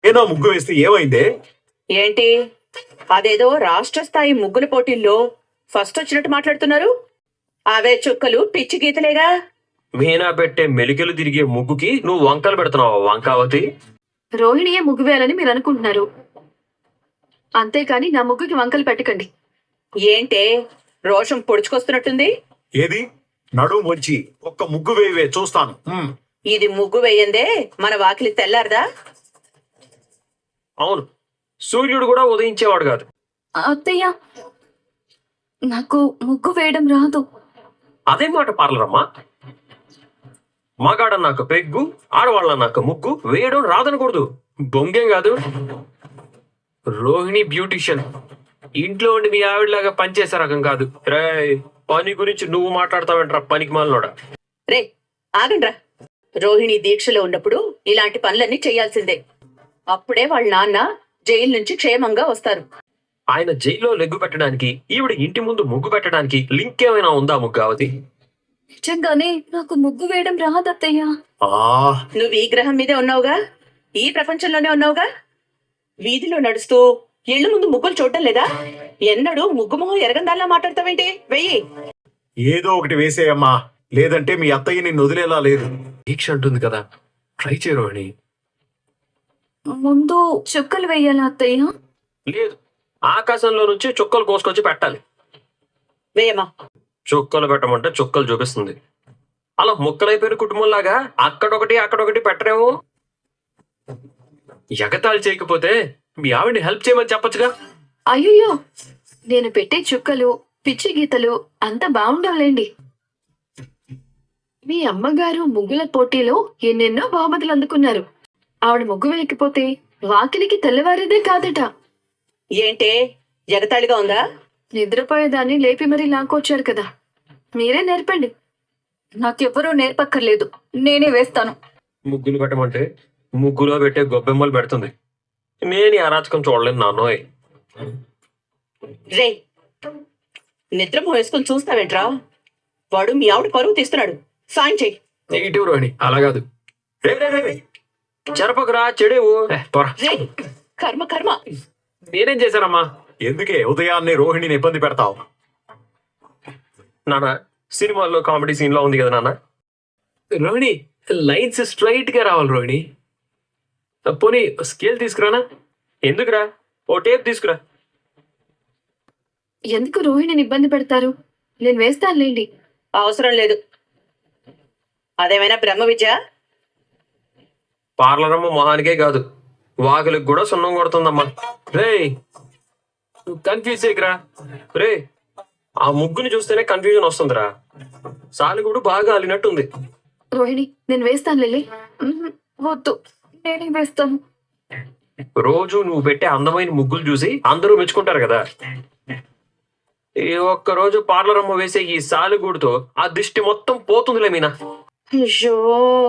ఏదో ముగ్గు వేస్తే ఏమైందే? ఏంటి అదేదో రాష్ట్ర స్థాయి ముగ్గుల పోటీల్లో ఫస్ట్ వచ్చినట్టు మాట్లాడుతున్నారు? అవే చుక్కలు పిచ్చి గీతలేగా. మీనా పెట్టే మెలికలు తిరిగే ముగ్గుకి నువ్వు వంకలు పెడుతున్నావా వంకావతి? రోహిణియే ముగ్గు వేయాలని మీరు అనుకుంటున్నారు, అంతేకాని నా ముగ్గుకి వంకలు పెట్టకండి. ఏంటే రోషం పొడుచుకొస్తున్నట్టుంది? ఏది నడుము వంచి ఒక్క ముగ్గు వేయవే చూస్తాను. ఇది ముగ్గు వేయందే మన వాకిలి తెల్లారదా? అవును, సూర్యుడు కూడా ఉదయించేవాడు కాదు. అత్తయ్య, నాకు ముగ్గు వేయడం రాదు. అదే మాట పార్లరమ్మా. మగాడ నాకు పెగ్గు, ఆడవాళ్ళ నాకు ముగ్గు వేయడం రాదనకూడదు. బొంగేం కాదు. రోహిణి బ్యూటిషియన్, ఇంట్లో ఉండి మీ ఆవిడలాగా పనిచేసే రకం కాదు. రే, పని గురించి నువ్వు మాట్లాడతావేంట్రా పనికి మాలినోడా? రే ఆగండ్రా. రోహిణి దీక్షలో ఉన్నప్పుడు ఇలాంటి పనులన్నీ చేయాల్సిందే. అప్పుడే వాళ్ళ నాన్న జైలు నుంచి క్షేమంగా వస్తారు. ఆయన జైల్లో లెగ్గు పెట్టడానికి ఈవిడ ఇంటి ముందు ముగ్గు పెట్టడానికి లింక్ ఏమైనా ఉందా ముగ్గావతి? నిజంగానే నాకు ముగ్గు వేయడం రాదు అత్తయ్య. నువ్వు ఈ గ్రహం మీదే ఉన్నావుగా, ఈ ప్రపంచంలోనే ఉన్నావుగా. వీధిలో నడుస్తూ ఇళ్ల ముందు ముగ్గులు చూడటం లేదా? ఎన్నడూ ముగ్గు మొహం ఎరగందాల్లా మాట్లాడతావేంటి? వెయ్యి. ఏదో ఒకటి వేసేయమ్మా, లేదంటే మీ అత్తయ్య నిన్ను వదిలేలా లేదు. దీక్ష అంటుంది కదా, ట్రై చేయ రోహిణి. ముందు చుక్కలు వేయాలా అత్తయ్య? లేదు, ఆకాశంలో నుంచి చుక్కలు కోసుకొచ్చి పెట్టాలి. వేయమ్మా. చుక్కలు పెట్టమంటే చుక్కలు చూపిస్తుంది. అలా ముక్కలైపోయిన కుటుంబంలాగా అక్కడొకటి పెట్టరేమో. ఎగతాళి చేయకపోతే మీ ఆవిడ్ని హెల్ప్ చేయమని చెప్పొచ్చుగా. అయ్యో, నేను పెట్టే చుక్కలు పిచ్చి గీతలు అంత బాగుండవులేండి. మీ అమ్మగారు ముగ్గుల పోటీలో ఎన్నెన్నో బహుమతులు అందుకున్నారు. ఆవిడ ముగ్గు వేయకపోతే వాకిలికి తెల్లవారేదే కాదట. ఏంటే ఎగతాళిగా ఉందా? నిద్రపోయేదాన్ని లేపి మరీ లాక్కొచ్చారు కదా, మీరే నేర్పండి. నాకెవ్వరూ నేర్పక్కర్లేదు, నేనే వేస్తాను. ముగ్గులు పెట్టమంటే ముగ్గులో పెట్టే గొబ్బెమ్మలు పెడుతుంది. నేను ఈ అరాచకం చూడలేను నాన్నోయ్. రే, నిద్ర వేసుకొని చూస్తావేంట్రా? వాడు మీ ఆవిడ పరువు తీస్తున్నాడు. సాయం చెయ్యి. నెగిటివ్ రోహిణి, అలా కాదు. చెరపకురా చెడేవు. రే, కర్మ కర్మ. నేనేం చేశానమ్మా? ఎందుకే ఉదయాన్నే రోహిణిని ఇబ్బంది పెడతావు? నాన్న, సినిమాల్లో కామెడీ సీన్ లో ఉంది కదా నాన్న. రోహిణి, లైన్స్ స్ట్రైట్ గా రావాలి రోహిణి. పోనీ స్కేల్ తీసుకురానా? ఎందుకురా, ఓ టేప్ తీసుకురా. ఎందుకు రోహిణిని ఇబ్బంది పెడతారు? నేను వేస్తానులేండి. అవసరం లేదు. అదేమైనా బ్రహ్మ విద్య? పార్లరమ్మ మొహానికే కాదు, వాకులకు కూడా సున్నం కొడుతుందమ్మా. రే, కన్ఫ్యూజ్ చేయకురా. రే, ఆ ముగ్గుని చూస్తేనే కన్ఫ్యూజన్ వస్తుందిరా. సాలిగూడు బాగా అలినట్టుంది. రోహిణి, నేను వేస్తాను లిల్లీ. వద్దు, నేనే వేస్తాను. రోజు నువ్వు పెట్టే అందమైన ముగ్గులు చూసి అందరూ మెచ్చుకుంటారు కదా. ఈ ఒక్క రోజు పార్లరమ్మ వేసే ఈ సాలిగూడుతో ఆ దిష్టి మొత్తం పోతుందిలే మీనా. అయ్యో,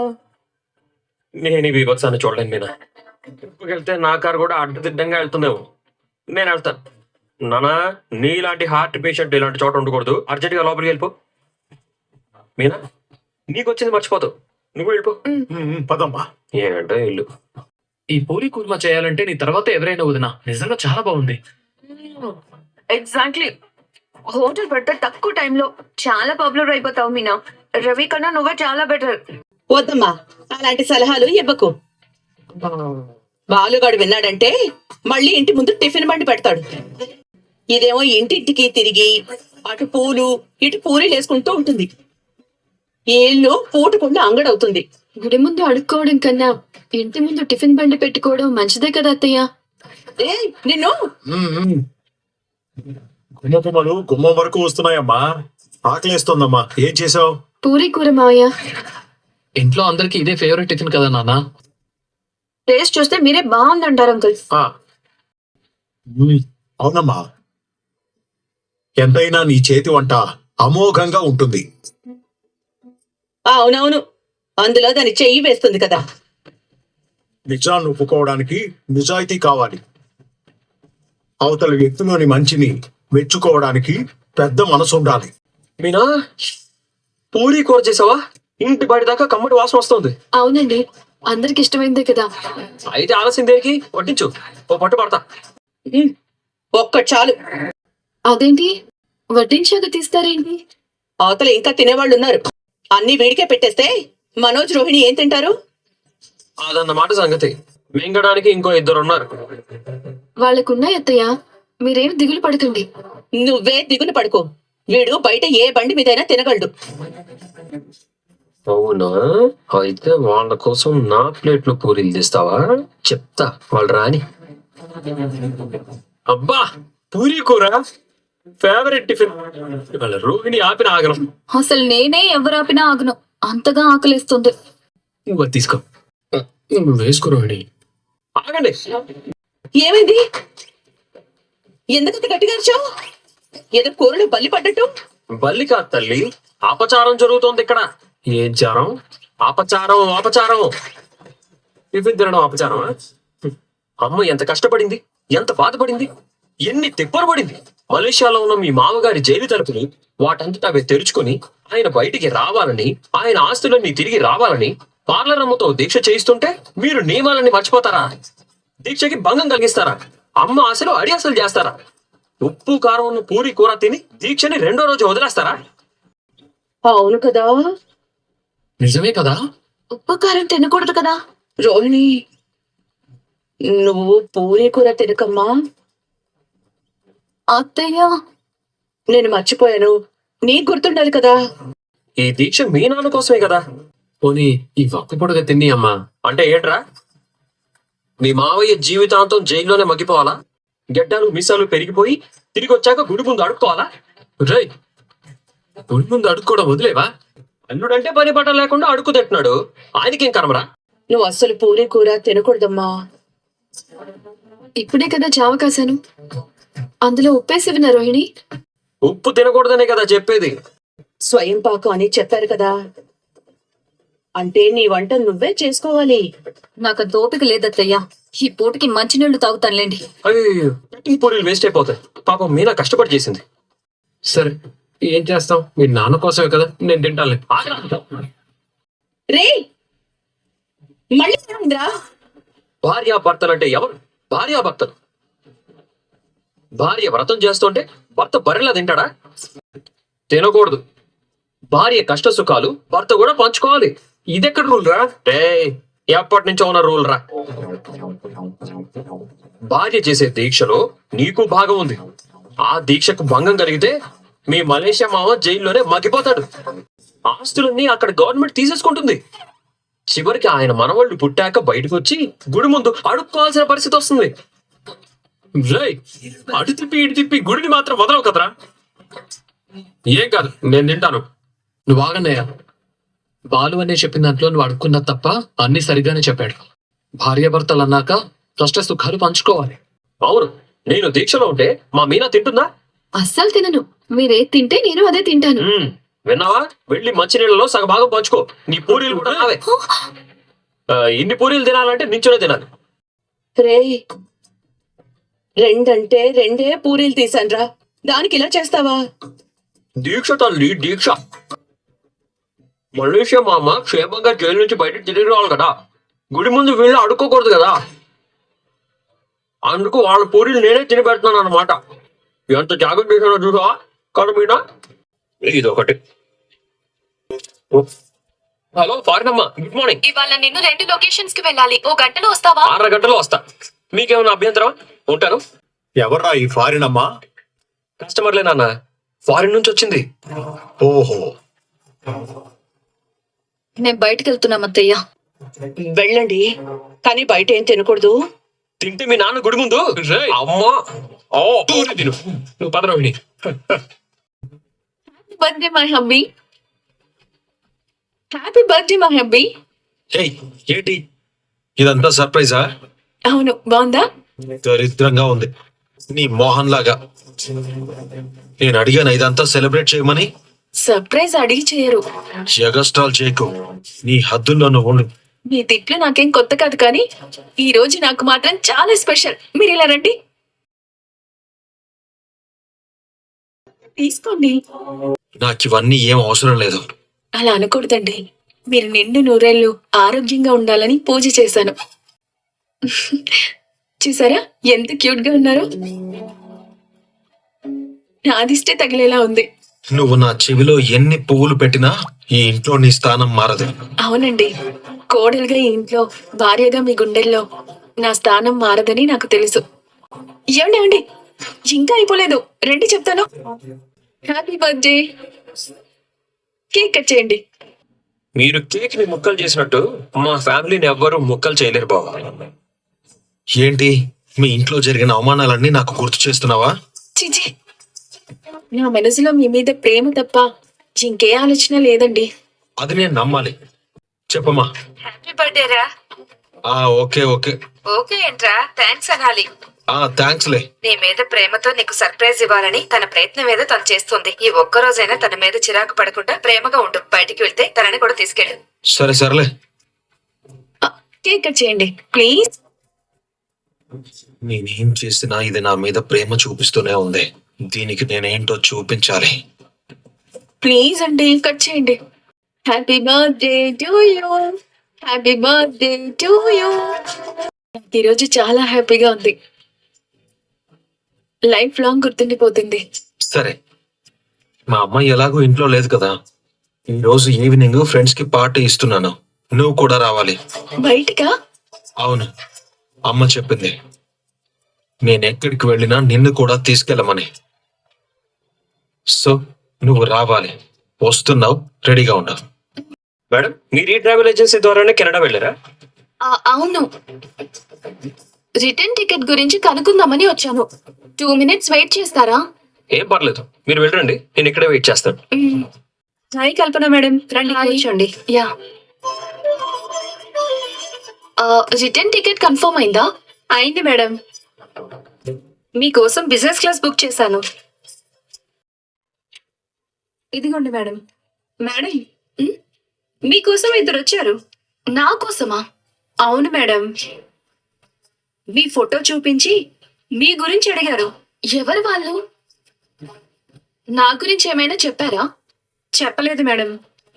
నేను ఇవి వచ్చాను చూడలేను మీనా. వెళ్తే నా కారు కూడా అడ్డదిడ్డంగా వెళ్తుందేమో. నేను వెళ్తాను. నానా, నీలాంటి హార్ట్ పేషెంట్ ఇలాంటి చోట ఉండకూడదు. అర్జెంట్గా లోపలికి వెళ్ళిపో. మీనా, నీకు వచ్చింది మర్చిపోతావు. నువ్వు వెళ్ళిపో. పదమ్మా. ఏంటో ఇల్లు. ఈ పూరి కుర్మా చేయాలంటే నీ తర్వాత ఎవరైనా వదినా. నిజంగా చాలా బాగుంది. ఎగ్జాక్ట్లీ. హోటల్ పెడితే తక్కువ టైంలో చాలా పాపులర్ అయిపోతావు మీనా. రవి కన్నా నువ్వే చాలా బెటర్. వద్దమ్మా, అలాంటి సలహాలు ఇవ్వకు. బాలుగాడు విన్నాడంటే మళ్ళీ ఇంటి ముందు టిఫిన్ బండి పెడతాడు. ఇదేమో ఇంటింటికి తిరిగి అటు పూలు ఇటు పూరీలు వేసుకుంటూ ఉంటుంది. ఈ ఇల్లు పూటకుండా అంగడవుతుంది. గుడి ముందు అడుక్కోవడం కన్నా ఇంటి ముందు టిఫిన్ బండి పెట్టుకోవడం మంచిదే కదా అత్తయ్య. నిన్ను గుమ్మకుమ్మలు గుమ్మం వరకు వస్తున్నాయమ్మా. ఆకలేస్తోందమ్మా. ఏం చేసావు? పూరి కూర మావయ్య. ఇంట్లో అందరికి ఇదే ఫేవరెట్ టిఫిన్ కదా నాన్న. టేస్ట్ చూస్తే మీరే బాగుందంటారు అంకుల్. అవునమ్మా, ఎంతైనా నీ చేతి వంట అమోఘంగా ఉంటుంది. అవునవును, అందులో దాని చెయ్యి వేస్తుంది కదా. నిజాన్ని ఒప్పుకోవడానికి నిజాయితీ కావాలి. అవతల వ్యక్తిలోని మంచిని మెచ్చుకోవడానికి పెద్ద మనసు ఉండాలి. మీనా, పూరీ కూర చేసావా? ఇంటి బయట దాకా కమ్మటి వాసన వస్తుంది. అవునండి, అందరికి ఇష్టమైందే కదా. అయితే ఆలస్యం దేనికి? వడ్డించు, ఓ పట్టు పడతా. ఉమ్, ఒక్కటి చాలు. అదేంటి వడ్డించాక తీస్తారేంటి? అవతల ఇంకా తినేవాళ్ళు ఉన్నారు. అన్ని వేడికే పెట్టేస్తే మనోజ్ రోహిణి ఏం తింటారు? అదన్నమాట సంగతి. మింగడానికి ఇంకో 2 ఉన్నారు. వాళ్ళకున్నాయి అత్తయ్య, మీరేం దిగులు పడకండి. నువ్వే దిగులు పడుకో. వీడు బయట ఏ బండి మీదైనా తినగలడు. అవునా? అయితే వాళ్ళ కోసం నా ప్లేట్లో పూరీలు తీస్తావా? చెప్తా, వాళ్ళు రాని. అబ్బా, పూరీ కూర ఫేవరెట్ టిఫిన్. వాళ్ళ రోహిణి ఆపిన ఆగను. అసలు నేనే ఎవరాపినా ఆగను, అంతగా ఆకలిస్తుంది. నువ్వు అది తీసుకో. వేసుకో రోహిణి. ఆగండి. ఏమైంది? ఎందుకంత గట్టిగా అరిచావు? ఏదో కూరలో బల్లి పడ్డట్టు. బల్లి కాదు తల్లి, అపచారం జరుగుతోంది ఇక్కడ. ఏం చారం? అపచారం, అపచారం. టిఫిన్ తినడం అపచారం. అమ్మ ఎంత కష్టపడింది, ఎంత బాధపడింది, ఎన్ని తిప్పలు పడింది. మలేషియాలో ఉన్న మీ మామగారి జైలు తలుపులు వాటంతటా అవి తెరుచుకొని ఆయన బయటికి రావాలని, ఆయన ఆస్తులన్నీ తిరిగి రావాలని పార్లర్ అమ్మతో దీక్ష చేయిస్తుంటే మీరు నియమాలన్నీ మర్చిపోతారా? దీక్షకి భంగం కలిగిస్తారా? అమ్మ ఆశలు అడియాసలు చేస్తారా? ఉప్పు కారం ఉన్న పూరి కూర తిని దీక్షని 2వ రోజు వదిలేస్తారా? అవును కదా నిజమే కదా. ఉప్పు కారం తినకూడదు కదా. రోహిణి, నువ్వు పూరీ కూర తినకమ్మా. అత్తయ్య, నేను మర్చిపోయాను, నీకు గుర్తుండాలి కదా. ఈ దీక్ష మీ నాన్న కోసమే కదా. పోనీ ఈ ఒక్క పొడుగా తిని అమ్మా. అంటే ఏంట్రా? మీ మావయ్య జీవితాంతం జైల్లోనే మగ్గిపోవాలా? గడ్డాలు మీసాలు పెరిగిపోయి తిరిగి వచ్చాక గుడి ముందు అడుక్కోవాలా? రై, గుడి ముందు అడుక్కోవడం వదిలేవా? అల్లుడంటే పని పట్ట లేకుండా అడుక్కు తింటున్నాడు. ఆయనకేం కర్మరా? నువ్వు అస్సలు పూరీ కూర తినకూడదమ్మా. ఇప్పుడే కదా జావ కాశాను, అందులో ఉప్పేసివిన రోహిణి. ఉప్పు తినకూడదనే కదా చెప్పేది. స్వయం పాకం అని చెప్పారు కదా. అంటే నీ వంట నువ్వే చేసుకోవాలి. నాకు అంత ఓపిక లేదత్తయ్య, ఈ పూటకి మంచినీళ్లు తాగుతానులేండి. అయ్యో, ఈ పూరీలు వేస్ట్ అయిపోతాయి. పాపం మీనా కష్టపడి చేసింది. సరే, ఏం చేస్తాం, మీ నాన్న కోసమే కదా, నేను తింటానులే. ఆగరా. రే, మళ్ళీ ఏమైందిరా? భార్యాభర్తలంటే ఎవరు? భార్యాభర్తలు. భార్య వ్రతం చేస్తుంటే భర్త బర్రెలా తింటాడా? తినకూడదు. భార్య కష్ట సుఖాలు భర్త కూడా పంచుకోవాలి. ఇదెక్కడ రూల్ రా? ఎప్పటి నుంచో ఉన్న రూల్ రా. భార్య చేసే దీక్షలో నీకు భాగం ఉంది. ఆ దీక్షకు భంగం కలిగితే మీ మలేషియా మామ జైల్లోనే మగ్గిపోతాడు. ఆస్తులన్నీ అక్కడ గవర్నమెంట్ తీసేసుకుంటుంది. చివరికి ఆయన మనవాళ్ళు పుట్టాక బయటకు వచ్చి గుడి ముందు అడుక్కోవాల్సిన పరిస్థితి వస్తుంది. రై, అటు తిప్పి ఇటు తిప్పి గుడిని మాత్రం వదలవు కదరా. ఏం కాదు, నేను తింటాను. నువ్వు ఆగన్నయ్యా. బాలు అనే చెప్పిన దాంట్లో నువ్వు అడుక్కున్నా తప్ప అన్ని సరిగానే చెప్పాడు. భార్యాభర్తలు అన్నాక కష్ట సుఖాలు పంచుకోవాలి. అవును, నేను దీక్షలో ఉంటే మా మీనా తింటుందా? అస్సలు తినను. మీరే తింటే నేను అదే తింటాను. విన్నావా? వెళ్ళి మంచినీళ్ళలో సగభాగం పంచుకో. నీ పూరీలు కూడా నావే. ఇన్ని పూరీలు తినాలంటే నించునే తినాలి. రే, రెండంటే 2 పూరీలు తీసాన్రా, దానికి ఇలా చేస్తావా? దీక్ష తల్లి, దీక్ష. మలేషియా మామ క్షేమంగా జైలు నుంచి బయటకు తిరిగి రావాలి కదా. గుడి ముందు వీళ్ళు అడుక్కోకూడదు కదా. అందుకు వాళ్ళ పూరీలు నేనే తిని పెడుతున్నాను అనమాట. ఎంత జాగ్రత్త చేశానో చూసా కదా మీనా. ఇదొకటి. హలో ఫారిన్ అమ్మా, గుడ్ మార్నింగ్. ఇవాళ నేను 2 లొకేషన్స్ కి వెళ్ళాలి. ఓ గంటలో వస్తావా? 6 గంటలో వస్తా. మీకేమైనా అభ్యంతరం? ఉంటాను. ఎవర్రా ఈ ఫారిన్ అమ్మా? కస్టమర్లే నాన్న, ఫారిన్ నుంచి వచ్చింది. ఓహో, నేను బయటకు వెళ్తున్నాం అత్తయ్య. వెళ్ళండి, కానీ బయట ఏం తినకూడదు. తింటే మీ నాన్న గుడి ముందు. రేయ్, అమ్మా, పూరి తిను. నువ్వు పద Rohini. Birthday my hubby. Happy birthday my hubby. ఏయ్, ఏంటి ఇదంతా సర్ప్రైజా? అవును, బాగుందా? దరిద్రంగా ఉంది. నీ మోహన్ లాగా. నేను అడిగాను ఇదంతా సెలబ్రేట్ చేయమని. సర్ప్రైజ్ అడిగి చేయరు. జగస్టాల్ చేయకు. నీ హద్దుల్లో నువ్వు ఉండు. మీ తిట్లు నాకేం కొత్త కాదు, కానీ ఈ రోజు నాకు మాత్రం చాలా స్పెషల్. మీరు ఇలా రండి, తీసుకోండి. నాకు ఇవన్నీ ఏం అవసరం లేదు. అలా అనకూడదండి. మీరు నిండు నూరేళ్ళు ఆరోగ్యంగా ఉండాలని పూజ చేశాను. చూసారా ఎంత క్యూట్ గా ఉన్నారు? నాదిష్టే తగిలేలా ఉంది. నువ్వు నా చెవిలో ఎన్ని పువ్వులు పెట్టినా ఈ ఇంట్లో నీ స్థానం మారదు. అవునండి, కోడలుగా ఈ ఇంట్లో భార్యగా మీ గుండెల్లో నా స్థానం మారదని నాకు తెలుసు. ఏమండి ఇంకా అయిపోలేదు, రండి చెప్తాను. Happy birthday. కేక్ కట్ చేయండి. మీరు కేక్ ని ముక్కలు చేసినట్టు మా ఫ్యామిలీని ఎవ్వరూ ముక్కలు చేయలేరు బాబు. ఏంటి మీ ఇంట్లో జరిగిన అవమానాలన్నీ నాకు గుర్తు చేస్తున్నావా? చిచి, నా మనసులో మీ మీద ప్రేమ తప్ప ఇంకే ఆలోచన లేదండి. అది నేను నమ్మాలి. చెప్పమ్మా. హ్యాపీ బర్త్డే రా. Okay okay. ఓకే ఏంట్రా, థ్యాంక్స్ అనాలి. థ్యాంక్స్లే. నీ మీద ప్రేమతో నీకు సర్ప్రైజ్ ఇవ్వాలని తన ప్రయత్నం ఏదో తను చేస్తుంది. ఈ ఒక్క రోజైనా తన మీద చిరాకు పడకుండా ప్రేమగా ఉండు. బయటికి వెళ్తే తనని కూడా తీసుకెళ్ళు. సరే సరేలే. కేక్ కట్ చేయండి ప్లీజ్. నేనేం చేసినా ఇది నా మీద ప్రేమ చూపిస్తూనే ఉంది. దీనికి నేనేంటో చూపించాలి. ప్లీజ్ అండి కట్ చేయండి. Happy birthday to you. Happy birthday to you. ఈరోజు చాలా హ్యాపీగా ఉంది. లైఫ్ లాంగ్ గుర్తుండిపోతుంది. సరే, మా అమ్మ ఎలాగో ఇంట్లో లేదు కదా, ఈ రోజు ఈవినింగ్ ఫ్రెండ్స్ కి పార్టీ ఇస్తున్నాను. నువ్వు కూడా రావాలి. బయటకా? అవును, అమ్మ చెప్పింది నేనెక్కడికి వెళ్ళినా నిన్ను కూడా తీసుకెళ్ళమని. సో నువ్వు రావాలి. వస్తున్నావు, రెడీగా ఉండవు. మేడం, మీరు ఈ ట్రావెల్ ఏజెన్సీ ద్వారానే కెనడా వెళ్ళారా? అవును, రిటర్న్ టికెట్ గురించి కనుక్కుందామని వచ్చాను. 2 minutes వెయిట్ చేస్తారా? ఏం పర్లేదు, మీరు వెళ్ళండి, నేను ఇక్కడే వెయిట్ చేస్తాను. హాయ్ కల్పన మేడం, రండి కూర్చోండి. యా, రిటర్న్ టికెట్ కన్ఫర్మ్ అయిందా? అయింది మేడం. మీకోసం బిజినెస్ క్లాస్ బుక్ చేశాను. ఇదిగోండి మేడం. మేడం, మీకోసం ఇద్దరు వచ్చారు. నా కోసమా? అవును మేడం. మీ ఫోటో చూపించి మీ గురించి అడిగారు. ఎవరు వాళ్ళు? నా గురించి ఏమైనా చెప్పారా? చెప్పలేదు మేడం.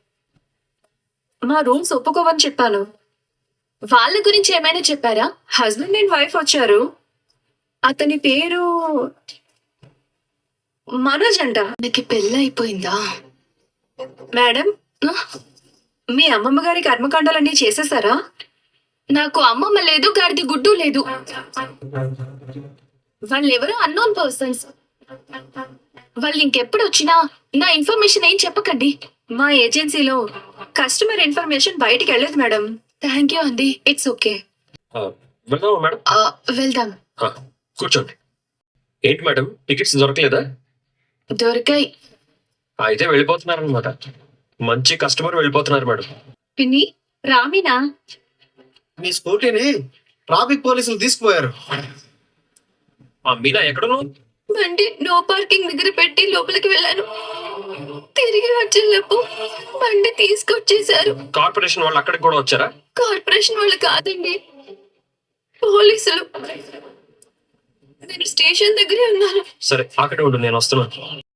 మా రూమ్స్ ఒప్పుకోవని చెప్పాను. వాళ్ళ గురించి ఏమైనా చెప్పారా? హస్బెండ్ అండ్ వైఫ్ వచ్చారు. అతని పేరు మనోజ్ అంట. నాకు పెళ్ళి అయిపోయిందా మేడం? మీ అమ్మమ్మ గారి కర్మకాండాలన్నీ చేసేసారా? నాకు అమ్మమ్మ లేదు, గాడిది గుడ్డు లేదు. వాళ్ళెవరో అన్నోన్ పర్సన్స్. వాళ్ళు ఇంకెప్పుడు వచ్చినా నా ఇన్ఫర్మేషన్ ఏం చెప్పకండి. మా ఏజెన్సీలో కస్టమర్ ఇన్ఫర్మేషన్ బయటికి వెళ్ళదు మేడం. థ్యాంక్ యూ అండి, ఇట్స్ ఓకే. వెళ్దామా మేడం? వెళ్దాం. కూర్చోండి. ఏంటి మేడం, టికెట్స్ దొరకలేదా? దొరికాయి. అయితే వెళ్ళిపోతున్నారనమాట. మంచి కస్టమర్ వెళ్ళిపోతున్నారు మేడం. పిన్ని, రామినా? మీ స్కూటీని ట్రాఫిక్ పోలీసులు తీసుకుపోయారు. మీనా ఎక్కడను? బండి నో పార్కింగ్ దగ్గర పెట్టి లోపలికి వెళ్ళాను. తిరిగి వచ్చేలోపు బండి తీసుకొచ్చేసారు. కార్పొరేషన్ వాళ్ళు అక్కడికి కూడా వచ్చారా? కార్పొరేషన్ వాళ్ళు కాదండి, పోలీసులు. నేను స్టేషన్ దగ్గరే ఉన్నాను. సరే, అక్కడే ఉండు, నేను వస్తున్నాను.